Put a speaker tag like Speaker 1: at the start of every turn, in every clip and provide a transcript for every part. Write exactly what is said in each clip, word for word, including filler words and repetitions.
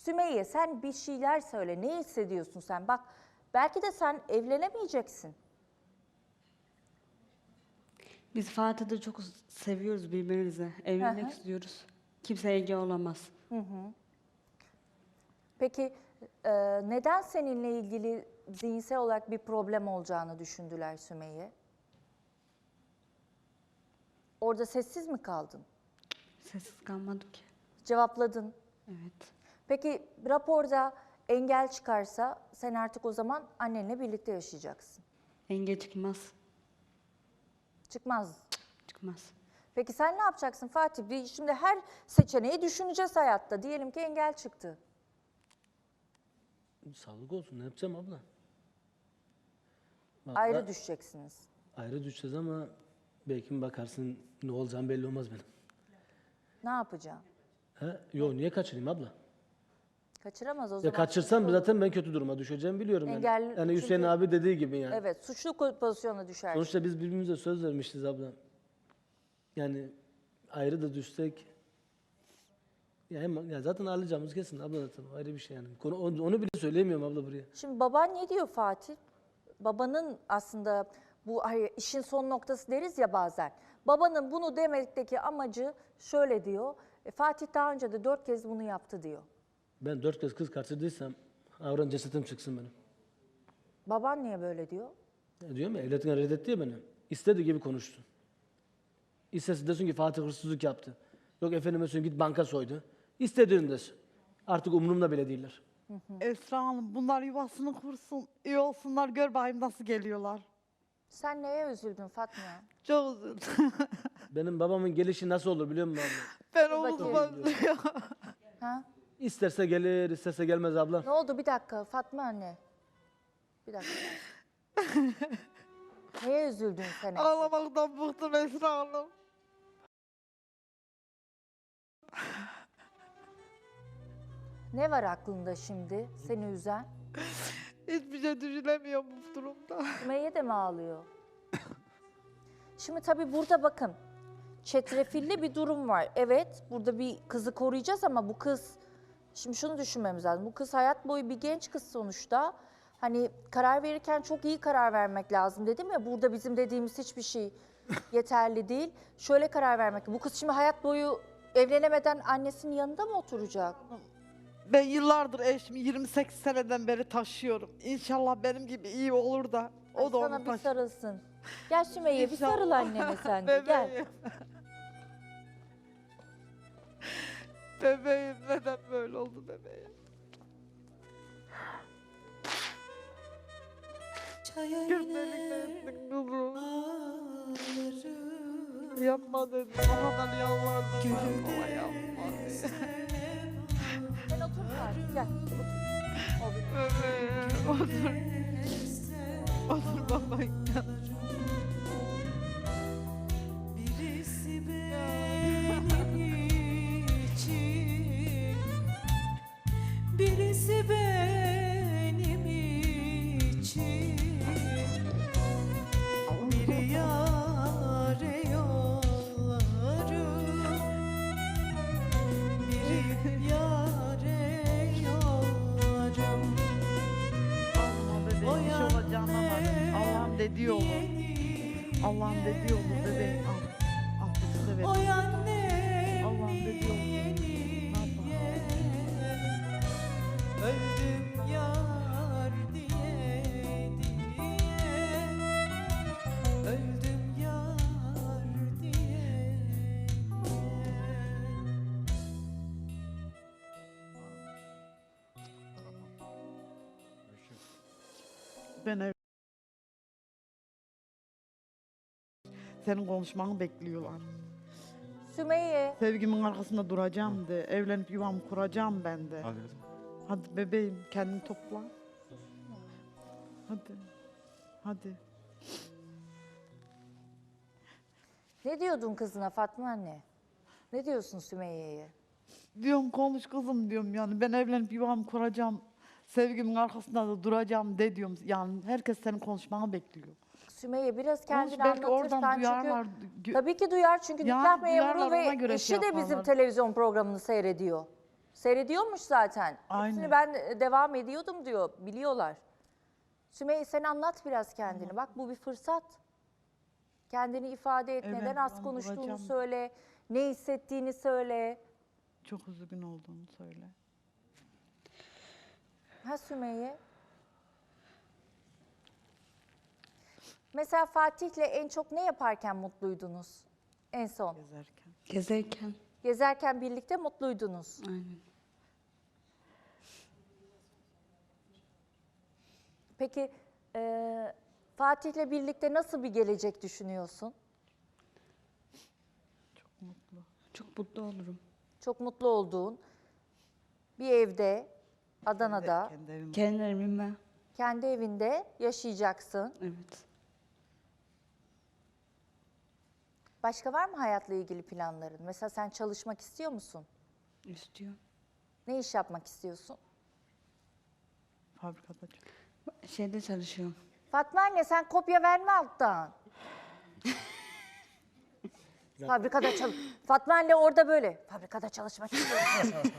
Speaker 1: Sümeyye sen bir şeyler söyle. Ne hissediyorsun sen? Bak belki de sen evlenemeyeceksin.
Speaker 2: Biz Fatih'te çok seviyoruz birbirimizi. Evlenmek
Speaker 1: Hı hı.
Speaker 2: istiyoruz. Kimse engel olamaz.
Speaker 1: Hı hı. Peki e, neden seninle ilgili zihinsel olarak bir problem olacağını düşündüler Sümeyye? Orada sessiz mi kaldın?
Speaker 2: Sessiz kalmadım ki.
Speaker 1: Cevapladın.
Speaker 2: Evet.
Speaker 1: Peki raporda engel çıkarsa sen artık o zaman annenle birlikte yaşayacaksın.
Speaker 2: Engel çıkmaz.
Speaker 1: Çıkmaz.
Speaker 2: Çıkmaz.
Speaker 1: Peki sen ne yapacaksın Fatih? Bir, şimdi her seçeneği düşüneceğiz hayatta. Diyelim ki engel çıktı.
Speaker 3: Sağlık olsun. Ne yapacağım abla? Vallahi
Speaker 1: Ayrı düşeceksiniz.
Speaker 3: ayrı düşeceğiz ama belki bakarsın ne olacağım belli olmaz benim.
Speaker 1: Ne yapacağım?
Speaker 3: He? Yo niye kaçırayım abla?
Speaker 1: Kaçıramaz o
Speaker 3: Ya
Speaker 1: zaman.
Speaker 3: kaçırsam
Speaker 1: suçlu
Speaker 3: zaten ben kötü duruma düşeceğimi biliyorum yani.
Speaker 1: Engel-
Speaker 3: Yani Hüseyin
Speaker 1: çünkü-
Speaker 3: abi dediği gibi yani.
Speaker 1: Evet, suçlu pozisyona düşer.
Speaker 3: Sonuçta biz birbirimize söz vermişiz abla. Yani ayrı da düşsek ya, hem, ya zaten alacağımız kesin abla zaten o ayrı bir şey yani. Konu, onu, onu bile söyleyemiyorum abla buraya.
Speaker 1: Şimdi baban ne diyor Fatih? Babanın aslında bu ay, işin son noktası deriz ya bazen. Babanın bunu demekteki amacı şöyle diyor. E, Fatih daha önce de dört kez bunu yaptı diyor.
Speaker 3: Ben dört kez kız kaçırdıysam avran cesetim çıksın benim.
Speaker 1: Baban niye böyle diyor?
Speaker 3: Ya diyorum ya evlatına reddetti ya beni. İstediği gibi konuştu. İstese desin ki Fatih hırsızlık yaptı. Yok efendime söyleyeyim git banka soydu. İstediğini desin. Artık umurumda bile değiller.
Speaker 4: Esra Hanım bunlar yuvasını kursun, iyi olsunlar, gör bakayım nasıl geliyorlar.
Speaker 1: Sen neye üzüldün Fatma?
Speaker 4: Çok üzüldüm.
Speaker 3: Benim babamın gelişi nasıl olur biliyor musun abla?
Speaker 4: Ben
Speaker 1: bakayım.
Speaker 4: omuzuma...
Speaker 1: Ha?
Speaker 3: İsterse gelir, isterse gelmez abla.
Speaker 1: Ne oldu bir dakika Fatma anne? Bir dakika. Neye üzüldün sen?
Speaker 4: Ağlamaktan bıktım Esra Hanım.
Speaker 1: Ne var aklında şimdi seni üzen?
Speaker 4: Hiçbir şey düşünemiyorum bu durumda.
Speaker 1: Sümeyye de mi ağlıyor? Şimdi tabii burada bakın. Çetrefilli bir durum var. Evet, burada bir kızı koruyacağız ama bu kız... Şimdi şunu düşünmemiz lazım. Bu kız hayat boyu bir genç kız sonuçta. Hani karar verirken çok iyi karar vermek lazım dedim ya. Burada bizim dediğimiz hiçbir şey yeterli değil. Şöyle karar vermek. Bu kız şimdi hayat boyu evlenemeden annesinin yanında mı oturacak?
Speaker 4: Ben yıllardır eşimi yirmi sekiz seneden beri taşıyorum. İnşallah benim gibi iyi olur da o
Speaker 1: Ay,
Speaker 4: da
Speaker 1: sana
Speaker 4: onu
Speaker 1: bir
Speaker 4: taşır.
Speaker 1: sarılsın. Gel Sümeyye bir
Speaker 4: İnşallah.
Speaker 1: sarıl annene sen de gel.
Speaker 4: Bebeğim. Bebeğim neden böyle oldu bebeğim? Gözlerimden kızım. Yapma dedim. O kadar yalvardım. Ama yapma diye.
Speaker 1: Sen otur Fatih gel. Otur. O bir-
Speaker 4: Bebeğim otur. Otur baba.
Speaker 5: Birisi benim için, birisi benim için, biri yâre yollarım, biri yâre yollarım.
Speaker 4: Allah'ım bebeğim bir şey olacağını anladım. Allah'ım dediği olur. Allah'ım dediği olur bebeğim. Al. Al kızı severim.
Speaker 5: Oy annem
Speaker 4: Allah'ım dediği olur. Ne yapalım?
Speaker 5: öldüm yar diye diye, öldüm yar diye diye.
Speaker 4: Ben ev... Senin konuşmanı bekliyorlar.
Speaker 1: Sümeyye.
Speaker 4: Sevgimin arkasında duracağım de. Evlenip yuvamı kuracağım ben de. Hadi bebeğim kendini topla. Hadi. Hadi.
Speaker 1: Ne diyordun kızına Fatma anne? Ne diyorsun Sümeyye'ye?
Speaker 4: Diyorum konuş kızım diyorum yani. Ben evlenip yuvamı kuracağım. Sevgimin arkasında da duracağım de diyorum. Yani herkes senin konuşmanı bekliyor.
Speaker 1: Sümeyye biraz
Speaker 4: Konuş,
Speaker 1: kendini
Speaker 4: belki
Speaker 1: anlatırsan
Speaker 4: oradan
Speaker 1: çünkü...
Speaker 4: duyarlar. Gö-
Speaker 1: Tabii ki duyar çünkü
Speaker 4: Yani
Speaker 1: nikah memuru
Speaker 4: duyarlar, ona
Speaker 1: ve
Speaker 4: göre
Speaker 1: eşi
Speaker 4: şey
Speaker 1: de bizim
Speaker 4: yaparlar.
Speaker 1: televizyon programını seyrediyor. Seyrediyormuş zaten. Hepsini
Speaker 4: Aynen.
Speaker 1: ben e, devam ediyordum diyor. Biliyorlar. Sümeyye sen anlat biraz kendini. Bak bu bir fırsat. Kendini ifade et.
Speaker 4: Evet,
Speaker 1: Neden az
Speaker 4: ben
Speaker 1: konuştuğunu
Speaker 4: bulacağım.
Speaker 1: söyle. Ne hissettiğini söyle.
Speaker 4: Çok üzgün olduğunu söyle.
Speaker 1: Ha Sümeyye? Mesela Fatih'le en çok ne yaparken mutluydunuz? En son.
Speaker 4: Gezerken.
Speaker 2: Gezerken.
Speaker 1: Gezerken birlikte mutluydunuz.
Speaker 2: Aynen.
Speaker 1: Peki e, Fatih'le birlikte nasıl bir gelecek düşünüyorsun?
Speaker 4: Çok mutlu.
Speaker 2: Çok mutlu olurum.
Speaker 1: Çok mutlu olduğun bir evde, Adana'da,
Speaker 4: Kendi evim.
Speaker 2: Kendi evime.
Speaker 1: kendi evinde yaşayacaksın.
Speaker 2: Evet.
Speaker 1: Başka var mı hayatla ilgili planların? Mesela sen çalışmak istiyor musun?
Speaker 2: İstiyor.
Speaker 1: Ne iş yapmak istiyorsun?
Speaker 4: Fabrikada çok.
Speaker 2: Şeyde çalışıyorum.
Speaker 1: Fatma anne sen kopya verme alttan. Fabrikada çalış. Fatma anne orada böyle. Fabrikada çalışmak istiyorum.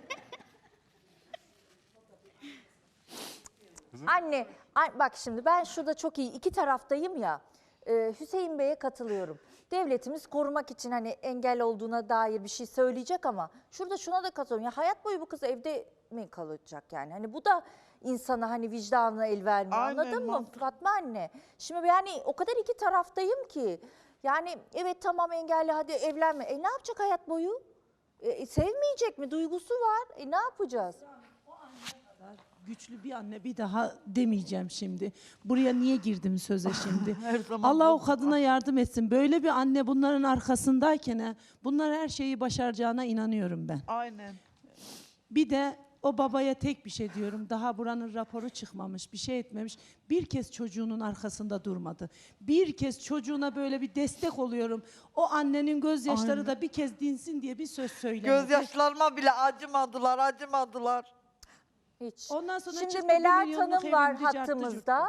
Speaker 1: Anne, an- bak şimdi ben şurada çok iyi iki taraftayım ya. Ee, Hüseyin Bey'e katılıyorum. Devletimiz korumak için hani engel olduğuna dair bir şey söyleyecek ama şurada şuna da katılıyorum. Ya hayat boyu bu kız evde mi kalacak yani? Hani bu da insana hani vicdanına el vermiyor.
Speaker 4: Aynen,
Speaker 1: Anladın mı
Speaker 4: mantıklı.
Speaker 1: Fatma anne? Şimdi yani o kadar iki taraftayım ki. Yani evet tamam engelli hadi evlenme. E ne yapacak hayat boyu? E, sevmeyecek mi? Duygusu var. E ne yapacağız?
Speaker 5: Güçlü bir anne bir daha demeyeceğim şimdi. Buraya niye girdim söze şimdi?
Speaker 4: Her zaman
Speaker 5: Allah
Speaker 4: bu-
Speaker 5: o kadına yardım etsin. Böyle bir anne bunların arkasındayken he, bunlar her şeyi başaracağına inanıyorum ben.
Speaker 4: Aynen.
Speaker 5: Bir de o babaya tek bir şey diyorum. Daha buranın raporu çıkmamış, bir şey etmemiş. Bir kez çocuğunun arkasında durmadı. Bir kez çocuğuna böyle bir destek oluyorum. O annenin gözyaşları
Speaker 4: Aynen.
Speaker 5: da bir kez dinsin diye bir söz söylemedi.
Speaker 4: Gözyaşlarıma bile acımadılar, acımadılar.
Speaker 1: Hiç.
Speaker 5: Ondan sonra
Speaker 1: Şimdi
Speaker 5: çıktı, bir
Speaker 1: Melahat
Speaker 5: milyonluk
Speaker 1: Hanım var
Speaker 5: evlendi, carttı
Speaker 1: hattımızda.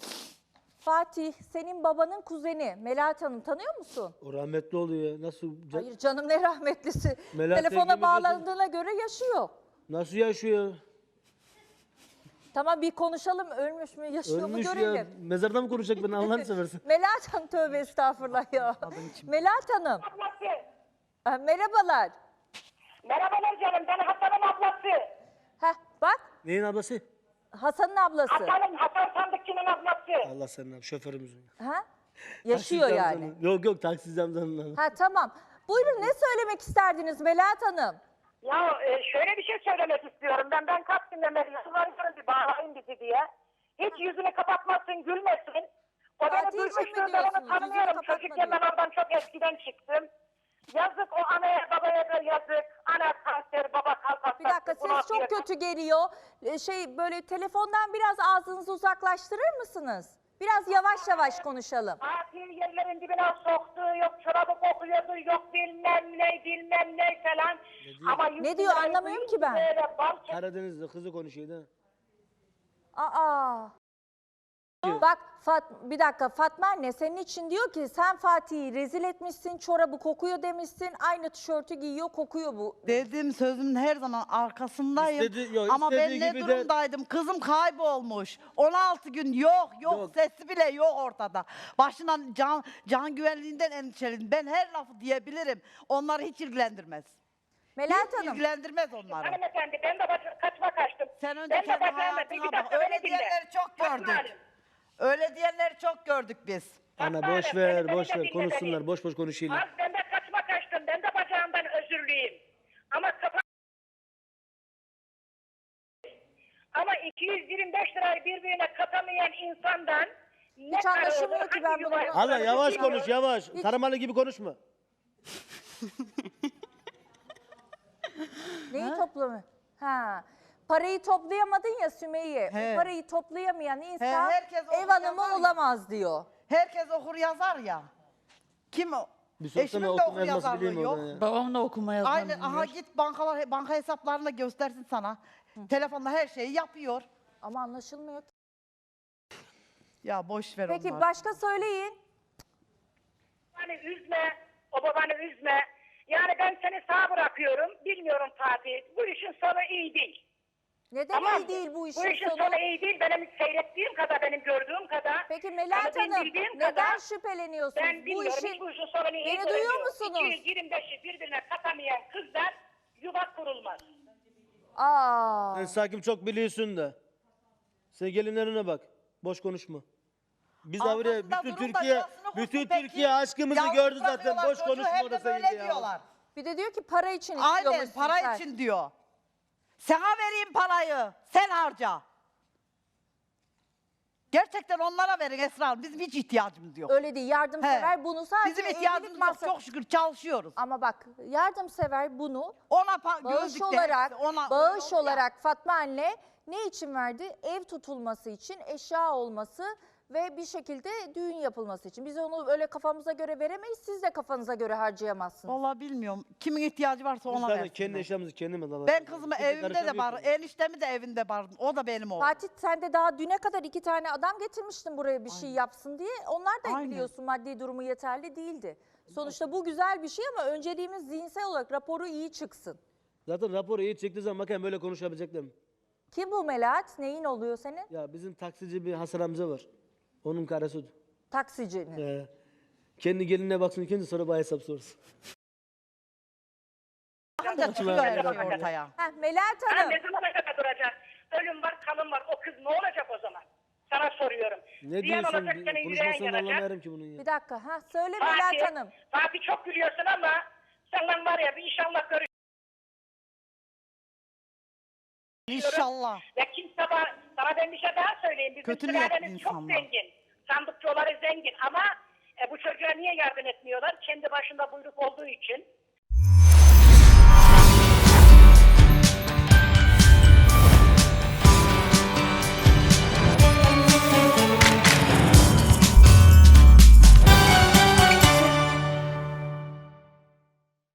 Speaker 1: Fatih, senin babanın kuzeni Melahat Hanım tanıyor musun?
Speaker 3: O rahmetli oluyor ya. Nasıl ca-
Speaker 1: Hayır canım ne rahmetlisi.
Speaker 3: Melahat
Speaker 1: Telefona
Speaker 3: Engin
Speaker 1: bağlandığına göre yaşıyor.
Speaker 3: nasıl yaşıyor?
Speaker 1: Tamam bir konuşalım ölmüş mü yaşıyor
Speaker 3: Ölmüş
Speaker 1: mu
Speaker 3: ya.
Speaker 1: görelim.
Speaker 3: Mezarda mı konuşacak beni Allah'ını seversen?
Speaker 1: Melahat Hanım tövbe estağfurullah ya. Melahat Hanım.
Speaker 6: Ablası.
Speaker 1: Ha, merhabalar.
Speaker 6: Merhabalar canım, ben Hasan'ın ablası.
Speaker 1: Heh, bak
Speaker 3: Neyin ablası?
Speaker 1: Hasan'ın ablası.
Speaker 6: Hasan'ın, Hasan Sandıkçı'nın ablası.
Speaker 3: Allah senin abi şoförümüzün.
Speaker 1: Ha? Yaşıyor
Speaker 3: Taksici
Speaker 1: yani.
Speaker 3: amcanın- Yok yok taksici amcanın.
Speaker 1: Ha tamam. Buyurun ne söylemek isterdiniz Melahat Hanım?
Speaker 6: Ya e, şöyle bir şey söylemek istiyorum. Ben ben kaç günden beri yalvarıyorum bir bağlayın bizi diye. Hiç yüzünü kapatmasın, gülmesin. O
Speaker 1: Fatih
Speaker 6: beni
Speaker 1: için mi
Speaker 6: duymuştur, ben
Speaker 1: diyorsunuz?
Speaker 6: onu
Speaker 1: Yüzünü
Speaker 6: tanımıyorum.
Speaker 1: kapatma
Speaker 6: Çocukken ben
Speaker 1: diyor.
Speaker 6: oradan çok eskiden çıktım. Yazık o anaya babaya da yazık. Ana kanser, baba kalp hastası.
Speaker 1: Bir dakika
Speaker 6: bunu
Speaker 1: ses çok
Speaker 6: atıyor.
Speaker 1: kötü geliyor. Ee, Şey böyle telefondan biraz ağzınızı uzaklaştırır mısınız? Biraz yavaş yavaş konuşalım.
Speaker 6: Fatih yerlerin dibine soktu, yok çorabı kokuyordu, yok bilmem ne, bilmem ne falan. Ama
Speaker 1: Ne diyor? Anlamıyorum ki ben.
Speaker 6: Böyle bal çek-
Speaker 3: Karadeniz'de kızı konuşuyor da.
Speaker 1: Aa. Bak Fat, bir dakika Fatma anne senin için diyor ki sen Fatih'i rezil etmişsin, çorabı kokuyor demişsin, aynı tişörtü giyiyor kokuyor bu.
Speaker 4: Dediğim sözümün her zaman arkasındayım.
Speaker 3: İstedi- yok,
Speaker 4: Ama ben
Speaker 3: istediği
Speaker 4: ne
Speaker 3: gibi de-
Speaker 4: durumdaydım? Kızım kaybolmuş. on altı gün yok, yok
Speaker 3: Yok.
Speaker 4: sesi bile yok ortada. Başından can can güvenliğinden endişeliyim. Ben her lafı diyebilirim. Onları hiç ilgilendirmez.
Speaker 1: Melahat
Speaker 4: Hiç
Speaker 1: Hanım
Speaker 4: ilgilendirmez onları.
Speaker 6: Hanımefendi ben de baş, kaçma kaçtım.
Speaker 4: Sen önce
Speaker 6: ben de
Speaker 4: kendi
Speaker 6: bacağıma-
Speaker 4: hayatına
Speaker 6: bir
Speaker 4: bak.
Speaker 6: dakika
Speaker 4: Öyle
Speaker 6: beni dinle.
Speaker 4: diyenleri çok
Speaker 6: Fatma
Speaker 4: gördük.
Speaker 6: Hanım,
Speaker 4: Öyle diyenleri çok gördük biz.
Speaker 3: Ana
Speaker 6: Fatma
Speaker 3: boş
Speaker 6: Hanım,
Speaker 3: ver
Speaker 6: beni-
Speaker 3: boş
Speaker 6: beni de
Speaker 3: ver
Speaker 6: dinle
Speaker 3: konuşsunlar
Speaker 6: beni.
Speaker 3: boş boş konuşuyorlar.
Speaker 6: Az ben de kaçma kaçtım. Ben de bacağımdan özürlüyüm. Ama kafa... Ama iki yüz yirmi beş lirayı birbirine katamayan insandan ne
Speaker 1: Hiç
Speaker 6: para
Speaker 1: anlaşılmıyor
Speaker 6: olur,
Speaker 1: ki
Speaker 6: hangi
Speaker 1: ben
Speaker 6: yuva
Speaker 1: bunu-
Speaker 6: yapılır,
Speaker 3: Hala yavaş
Speaker 6: bilmiyorum.
Speaker 3: konuş yavaş. Taramalı gibi konuşma.
Speaker 1: neyi toplamı? Ha. Parayı toplayamadın ya Sümeyye.
Speaker 4: He.
Speaker 1: O parayı toplayamayan insan
Speaker 4: herkes
Speaker 1: ev
Speaker 4: onu
Speaker 1: hanımı
Speaker 4: yapar ya.
Speaker 1: olamaz diyor.
Speaker 4: Herkes okur yazar ya. Kim o?
Speaker 3: Bir sorsana
Speaker 4: Eşimin de
Speaker 3: okuma
Speaker 4: okur
Speaker 3: yazması
Speaker 4: yazarlığı
Speaker 3: bileyim
Speaker 4: yok.
Speaker 3: oradan ya.
Speaker 2: Babam da okuma yazma
Speaker 4: Aynen
Speaker 2: bilmiyor.
Speaker 4: aha git bankalar banka hesaplarını da göstersin sana. Telefonla her şeyi yapıyor.
Speaker 1: Ama anlaşılmıyor ki.
Speaker 4: Ya boş ver
Speaker 1: Peki
Speaker 4: onları.
Speaker 1: başka söyleyin.
Speaker 6: Babanı üzme, o babanı üzme. Yani ben seni sağ bırakıyorum. Bilmiyorum Fatih. Bu işin sonu iyi değil.
Speaker 1: Neden
Speaker 6: Tamam
Speaker 1: iyi değil bu işin
Speaker 6: Bu işin
Speaker 1: sonu?
Speaker 6: sonu iyi değil. Benim seyrettiğim kadar, benim gördüğüm kadar.
Speaker 1: Peki Melahat
Speaker 6: yani benim
Speaker 1: Hanım
Speaker 6: bildiğim
Speaker 1: neden
Speaker 6: kadar,
Speaker 1: şüpheleniyorsunuz?
Speaker 6: Ben
Speaker 1: Bu
Speaker 6: bilmiyorum.
Speaker 1: işin
Speaker 6: Hiç bu işin sonunu iyi
Speaker 1: Beni duyuyor
Speaker 6: göremiyorum.
Speaker 1: musunuz?
Speaker 6: iki yüz yirmi beşi birbirine katamayan kızlar yuva kurulmaz.
Speaker 1: Aa.
Speaker 3: Sen sakin çok biliyorsun da. Sen gelinlerine bak. Boş konuşma. Biz de buraya
Speaker 7: Arkasında
Speaker 3: bütün
Speaker 7: durun da
Speaker 3: Türkiye,
Speaker 7: yuvasını kursun
Speaker 3: bütün
Speaker 7: peki.
Speaker 3: Türkiye aşkımızı
Speaker 7: Yalnız
Speaker 3: gördü zaten.
Speaker 7: bırakıyorlar
Speaker 3: Boş
Speaker 7: çocuğu,
Speaker 3: konuşma
Speaker 7: hep de
Speaker 3: orası
Speaker 7: böyle
Speaker 3: ya.
Speaker 7: diyorlar.
Speaker 1: Bir de diyor ki para için
Speaker 7: Aynen
Speaker 1: istiyormuşsun
Speaker 7: para
Speaker 1: sen.
Speaker 7: için diyor. Sana vereyim parayı. Sen harca. Gerçekten onlara verin Esra Hanım. Bizim hiç ihtiyacımız yok.
Speaker 1: Öyle değil. Yardımsever
Speaker 7: He.
Speaker 1: bunu sadece
Speaker 7: Bizim
Speaker 1: evlilik
Speaker 7: ihtiyacımız yok.
Speaker 1: masrafı-
Speaker 7: Çok şükür çalışıyoruz.
Speaker 1: Ama bak yardımsever bunu
Speaker 7: Ona pa-
Speaker 1: bağış
Speaker 7: gözlük de
Speaker 1: olarak,
Speaker 7: hepsi, ona
Speaker 1: bağış
Speaker 7: öyle oldu ya.
Speaker 1: olarak Fatma anne ne için verdi? Ev tutulması için, eşya olması ve bir şekilde düğün yapılması için. Biz onu öyle kafamıza göre veremeyiz. Siz de kafanıza göre harcayamazsınız.
Speaker 7: Vallahi bilmiyorum. Kimin ihtiyacı varsa
Speaker 3: Biz
Speaker 7: ona
Speaker 3: zaten
Speaker 7: versin.
Speaker 3: kendi eşyamızı kendimiz alalım.
Speaker 7: Ben kızımı
Speaker 3: Kimse
Speaker 7: evimde de
Speaker 3: karışamıyor
Speaker 7: var.
Speaker 3: ki.
Speaker 7: Eniştemi de evinde var. O da benim oğlum.
Speaker 1: Fatih sen de daha düne kadar iki tane adam getirmiştin buraya bir şey yapsın diye. Onlar da
Speaker 7: Aynen.
Speaker 1: biliyorsun maddi durumu yeterli değildi. Sonuçta bu güzel bir şey ama önceliğimiz zihinsel olarak raporu iyi çıksın.
Speaker 3: Zaten raporu iyi çektiği zaman bakayım böyle konuşabilecekler mi?
Speaker 1: Kim bu Melahat? Neyin oluyor senin?
Speaker 3: Ya bizim taksici bir Hasan amca var. Onun karısı.
Speaker 1: Taksicinin.
Speaker 3: Ee, kendi gelinine baksın ikinci sonra bana hesap sorsun.
Speaker 7: Bakınca çıkıyor her şey ortaya.
Speaker 1: Heh, Melahat
Speaker 6: Ha,
Speaker 1: Hanım.
Speaker 6: ne zamana kadar duracak? Ölüm var, kalım var. O kız ne olacak o zaman? Sana soruyorum.
Speaker 3: Ne
Speaker 6: Ziyan
Speaker 3: diyorsun?
Speaker 6: olacak, senin yüreğin
Speaker 3: Konuşmasını
Speaker 6: yanacak.
Speaker 3: anlamıyorum ki bunun ya.
Speaker 1: Bir dakika. Ha söyle Melahat
Speaker 6: Fatih,
Speaker 1: Hanım.
Speaker 6: Fatih çok gülüyorsun ama senden var ya bir inşallah görüşürüz.
Speaker 7: İnşallah.
Speaker 6: Ve kimse bana, sana ben bir şey daha söyleyeyim. Bizim
Speaker 7: Kötü niyetli
Speaker 6: sülalemiz çok
Speaker 7: insanlar.
Speaker 6: zengin. Sandıkçıları zengin ama e, bu çocuğa niye yardım etmiyorlar? Kendi başında buyruk olduğu için.